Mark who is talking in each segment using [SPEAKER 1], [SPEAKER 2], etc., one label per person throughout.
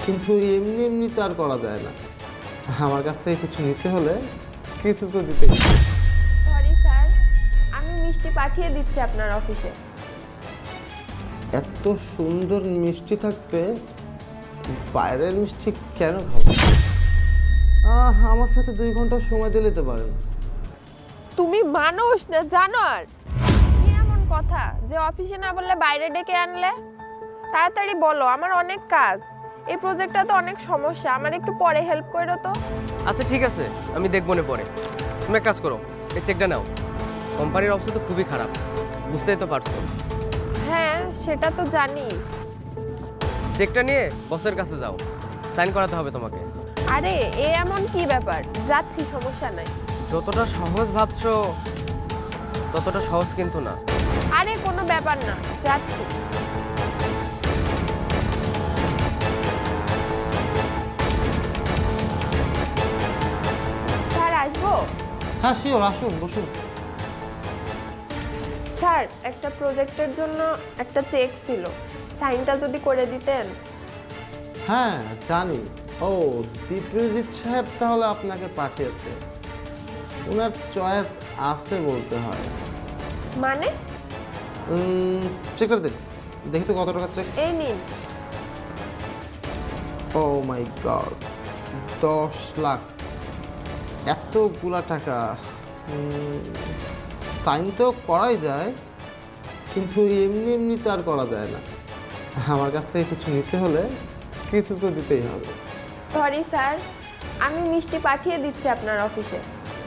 [SPEAKER 1] কিন্তু এমনি এমনি তো আর করা যায় না। আমার কাছ থেকে কিছু নিতে হলে কিছু তো দিতে।
[SPEAKER 2] সরি স্যার, আমি মিষ্টি পাঠিয়ে দিচ্ছি আপনার অফিসে।
[SPEAKER 1] এত সুন্দর মিষ্টি থাকতে বাইরের মিষ্টি কেন খাবো? আমার সাথে 2 ঘন্টা সময় দিলে তো পারেন।
[SPEAKER 2] তুমি মানুষ না জানোয়ার? কি এমন কথা যে অফিসে না বললে বাইরে ডেকে আনলে? তাড়াতাড়ি বলো, আমার অনেক কাজ। এই প্রজেক্টটা তো অনেক সমস্যা, আমার একটু পরে হেল্প করো তো।
[SPEAKER 3] আচ্ছা ঠিক আছে, আমি দেখবো না পরে। তুমি এক কাজ করো, এই চেকটা নাও। কোম্পানির অবস্থা তো খুবই খারাপ, বুঝতেই তো পারছো।
[SPEAKER 2] হ্যাঁ সেটা তো জানি।
[SPEAKER 3] চেকটা নিয়ে বসের কাছে যাও, সাইন করাতে হবে তোমাকে।
[SPEAKER 2] আরে এ এমন কি ব্যাপার, যাচ্ছি, সমস্যা নাই।
[SPEAKER 3] যতটা সহজ ভাবছো ততটা সহজ কিন্তু না।
[SPEAKER 2] আরে কোনো ব্যাপার না, যাচ্ছি। স্যার আসবো?
[SPEAKER 1] হ্যাঁ শিওর, আসুন বসুন।
[SPEAKER 2] স্যার একটা প্রজেক্টের জন্য একটা চেক ছিল, সাইনটা যদি করে দিতেন।
[SPEAKER 1] হ্যাঁ জানি। ও দীপ্রজিৎ সাহেব তাহলে আপনাকে পাঠিয়েছে। ওনার চয়েস আছে বলতে হয়।
[SPEAKER 2] মানে?
[SPEAKER 1] চেক করে দিন, দেখি তো কত টাকা চেক।
[SPEAKER 2] এই নিন।
[SPEAKER 1] Oh my god, 10 lakh! এতগুলা টাকা! সাইন তো করাই যায়, কিন্তু এমনি এমনি তো আর করা যায় না। আমার কাছ থেকে কিছু নিতে হলে কিছু তো দিতেই হবে।
[SPEAKER 2] সরি স্যার, আমি মিষ্টি পাঠিয়ে দিচ্ছি আপনার অফিসে।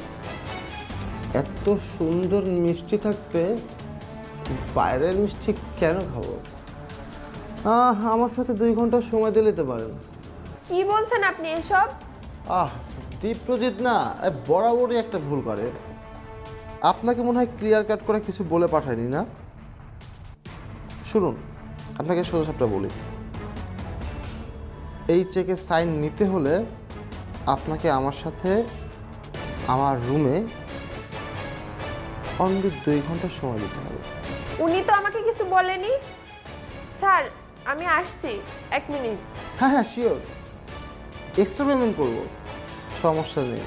[SPEAKER 1] এত সুন্দর মিষ্টি থাকতে বাইরের মিষ্টি কেন খাবো? আমার সাথে 2 ঘন্টা সময় দিলে তো পারেন।
[SPEAKER 2] কি বলছেন আপনি এসব?
[SPEAKER 1] দীপ্রজিৎ না বরাবরই একটা ভুল করে। আপনাকে মনে হয় ক্লিয়ার কাট করে কিছু বলে পাঠায়নি না? শুনুন, আপনাকে সোজাসাপটা বলি। এই চেকে সাইন নিতে হলে আপনাকে আমার সাথে আমার রুমে অনলি 2 ঘন্টা সময় দিতে হবে।
[SPEAKER 2] উনি তো আমাকে কিছু বলেনি। স্যার আমি আসছি, 1 মিনিট।
[SPEAKER 1] হ্যাঁ হ্যাঁ শিওর, এক্সট্রা পেমেন্ট করবো, সমস্যা নেই।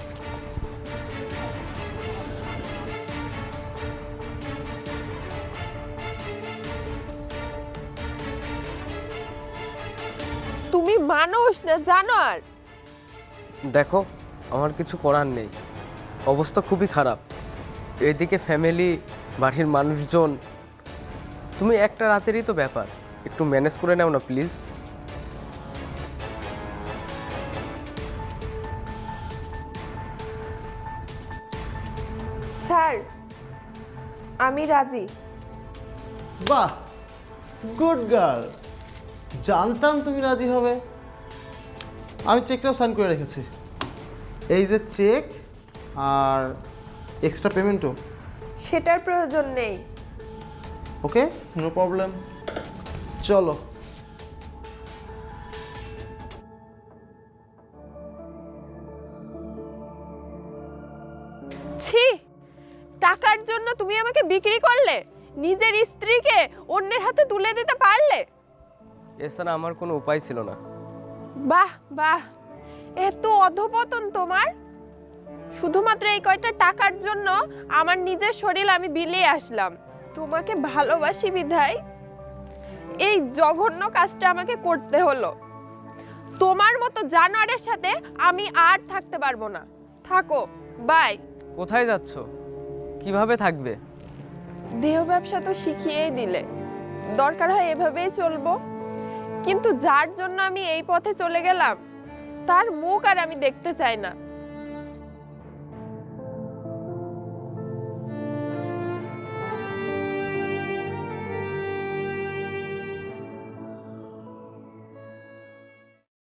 [SPEAKER 2] তুমি মানুষ না জানোয়ার?
[SPEAKER 3] দেখো, আমার কিছু করার নেই, অবস্থা খুবই খারাপ। এদিকে ফ্যামিলি, বাড়ির মানুষজন। তুমি একটা রাতেরই তো ব্যাপার, একটু ম্যানেজ করে নাও না প্লিজ।
[SPEAKER 2] স্যার আমি রাজি।
[SPEAKER 1] বাহ, গুড গার্ল! জানতাম তুমি রাজি হবে। আমি চেকটাও সাইন করে রেখেছি। এই যে চেক আর এক্সট্রা পেমেন্টও।
[SPEAKER 2] সেটার প্রয়োজন নেই।
[SPEAKER 1] ওকে, নো প্রবলেম, চলো।
[SPEAKER 2] ছি, টাকার জন্য তুমি আমাকে বিক্রি করলে, নিজের স্ত্রীকে অন্যের হাতে তুলে দিতে পারলে।
[SPEAKER 3] এছাড়া আমার কোনো উপায় ছিল না।
[SPEAKER 2] বাহ বাহ, এত অধপতন তোমার! শুধুমাত্র এই কয়টা টাকার জন্য আমার নিজের শরীর আমি বিলিয়ে আসলাম। তোমাকে ভালোবাসি বিধায় এই জঘন্য কাজটা আমাকে করতে হলো। তোমার মতো জানোয়ারের সাথে আমি আর থাকতে পারবো না। থাকো, বাই।
[SPEAKER 3] কোথায় যাচ্ছ? কিভাবে থাকবে?
[SPEAKER 2] দেহ ব্যবসা তো শিখিয়েই দিলে, দরকার হয় এভাবেই চলবো। কিন্তু যার জন্য আমি এই পথে চলে গেলাম, তার মুখ আর আমি দেখতে চাই না।